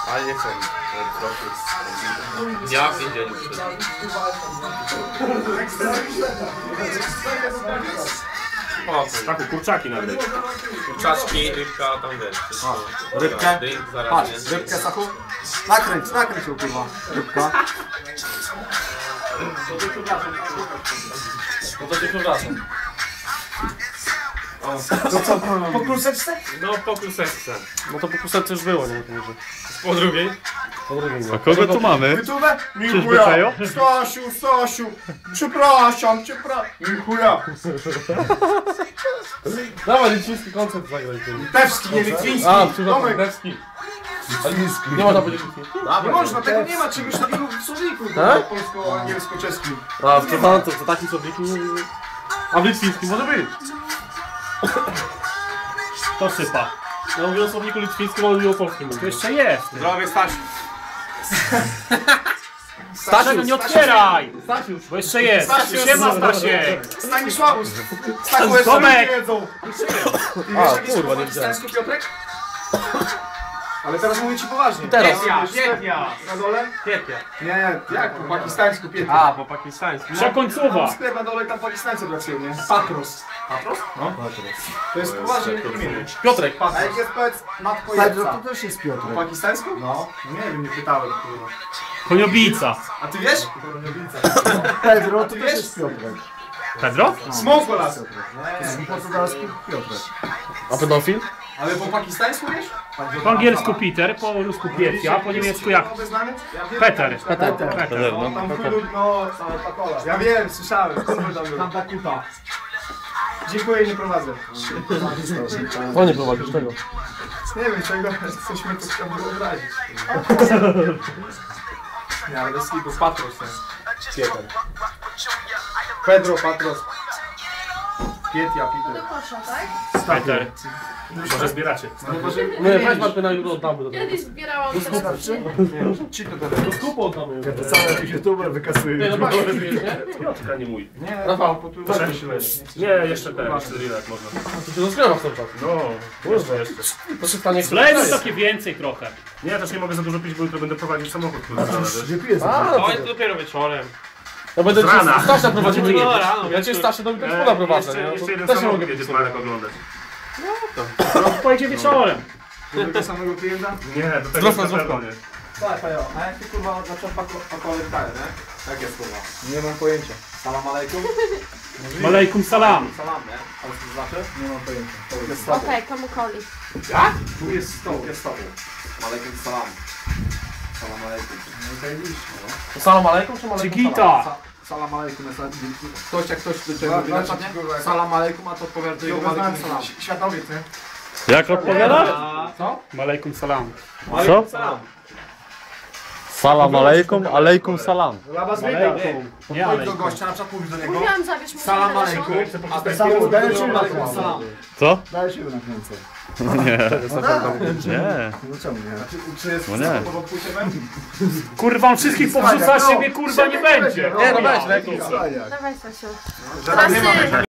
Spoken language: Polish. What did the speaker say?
Ale nie chcę. Ja w więzieniu Taku, kurczaki nawet. Kurczaczki, rybka, tam wiesz. Rybkę? Zaraz, Patrz, rybkę Saku. Nakręć ją kurwa. Rybka. No to cię przepraszam. To co, po kluseczce? No po kluseczce. No to po kusence już było, nie? Po drugiej? Po drugiej nie. A kogo tu mamy? Wytubę? Becajo? Stasiu, przepraszam. Chuja. Dawaj, litwiński koncert zagraj. Litewski, nie litwiński. A, przepraszam, Tomek. litewski. Nie można powiedzieć litwiński. Nie można, tego nie ma czegoś takiego w słowniku polsko-angielsko-czeskim. A, przepraszam, to taki słownik. A w litwińskim może być. To sypa. Ja mówię o słowniku litwińskim, ale mówię o polskim. To jeszcze jest. Zdrowie Stasiu. Stasiu, nie otwieraj! Stasiu, bo jeszcze jest. Siema, Stasiek. Stanisławu. Stachu jeszcze Tomek. nie jedzą. A, kurwa, nie widziałem. Stanisku Piotrek? Ale teraz mówię ci poważnie. Teraz. Pietnia. Na dole? Pięknie. Nie, jak po pakistańsku Pietnia. A, po pakistańsku. Przekońcowa. Sklep na dole, tam Pakistańcy pracują, nie? Patros. Patros? No. To jest poważnie imię. Piotrek. A jak jest powiedz matko Pedro Jepca? to też jest Piotr. Po pakistańsku? No. Nie wiem, nie pytałem. Kurwa. Koniobica. A ty wiesz? Pedro to też jest Piotrek. Pedro? Smokolas. Po portugalsku Piotrek. A pedofil? Ale po pakistańsku wiesz? Po angielsku Peter, po rusku Pietia, po niemiecku jak? Peter. Peter, no. Tam chudu, no, same pakola. Ja wiem, słyszałem. Tam Bakuta. Dziękuję, nie prowadzę. O, nie prowadzisz tego. Nie wiem czego, coś mnie tu chciał wyobrazić. Nie, ale bez kitu, Patros ten. Pieter. Pedro, Patros. Pietia, Peter. Peter. Może zbieracie. No może... Nie, weź Martyna, jutro oddamy do tego. Kiedyś zbierałam Ci to gadać. Z kupą oddamy. To cały youtuber wykasuje. Nie, no właśnie, nie? Piotrka, nie mój. Nie, Rafał, po tu proszę. się leży. Nie, jeszcze ten, jeszcze Rilek można. To się rozgrywa w tym czasie. No, jeszcze. To się stanie... Wlejmy takie więcej trochę. Nie, ja też nie mogę za dużo pić, bo jutro będę prowadzić samochód. Gdzie pijesz? To jest dopiero wieczorem. Ja będę cię Rana. Stasia prowadził. No, rano, Ja cię Stasia do Witeczkowa prowadzę. nie? Jeszcze jeden Też nie mogę samochód jedzie być. Marek oglądać. Pojedzie wieczorem. Do tego samego klienta? Nie, do tego Zdrówko, na zdrówko. pewno nie. Tak, Pajo, a jak ty kurwa zaczął pakować dalej, nie? Jak jest kurwa? Nie mam pojęcia. Salam alejkum? Malejkum salam. Salam, nie? Ale co to znaczy? Nie mam pojęcia. To jest Okej, komu koli. Jak? Tu jest stoł, jest stoł. Alejkum salam. Salam alejkum. No i zajebiście, no. To salam alejkum czy malejkum Czygita. Salam alejkum, ktoś jak ktoś do czego wylecza, nie? Salam alejkum, a to odpowiada do jego alejkum salam. Światowiec, nie? Jak odpowiadasz? Co? Malejkum salam. Co? Salam. Salam alejkum, alejkum salam. Laba zbiega. Nie, Chodź do alejkum. gościa, na przykład mówisz do niego. Mówiłam, zabierz mu Salam telefon. alejkum. A ten Salam, dajesz im alejkum alejkum. salam. Co? Dajesz siły na kręcę. Nie. No tak. Nie. No czemu nie? Czy jest No nie. pod odpłyciem? Kurwa, on wszystkich powrzuca, siebie kurwa nie będzie. Nie, no weź, Wstaję. Dawaj, Stasiu. Zaraz nie ma. Teraz ty.